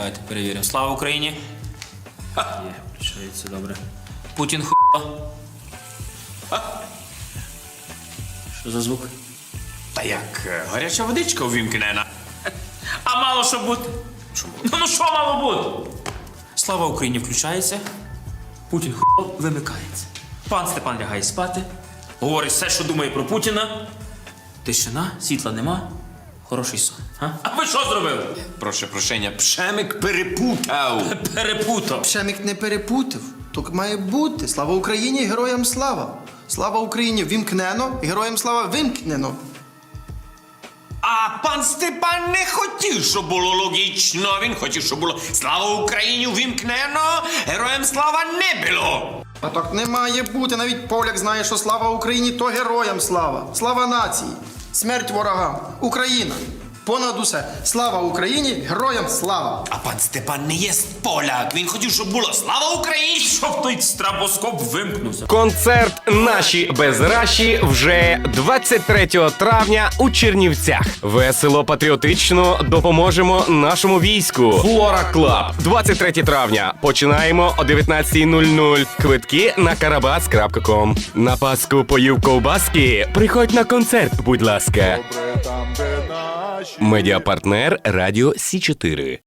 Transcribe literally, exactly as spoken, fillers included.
Давайте перевіримо. Слава Україні! Ха. Є, включається, добре. Путін хуйло. Що за звук? Та як е, гаряча водичка увімкнена. А мало що бути? Що було? Ну, ну що мало бути? Слава Україні включається. Путін хуйло вимикається. Пан Степан лягає спати. Говорить все, що думає про Путіна. Тишина, світла нема. Хороший сон. А, а ви що зробили? Прошу прощення, Пшемик перепутав. Перепутав. Пшемик не перепутав. Так має бути. Слава Україні, героям слава. Слава Україні вімкнено, героям слава вимкнено. А пан Степан не хотів, щоб було логічно. Він хотів, щоб було слава Україні увімкнено, героям слава не було. А так не має бути. Навіть поляк знає, що слава Україні, то героям слава. Слава нації. Смерть ворогам. Україна. Понад усе. Слава Україні, героям слава. А пан Степан не є поляк. Він хотів, щоб було слава Україні. Щоб той стробоскоп вимкнувся. Концерт «Наші без раші» вже двадцять третього травня у Чернівцях. Весело, патріотично допоможемо нашому війську. Флора Клаб. двадцять третього травня. Починаємо о дев'ятнадцятій нуль нуль. Квитки на карабас крапка ком. На Пасху поїв ковбаски. Приходь на концерт, будь ласка. Медіапартнер Радіо Сі чотири.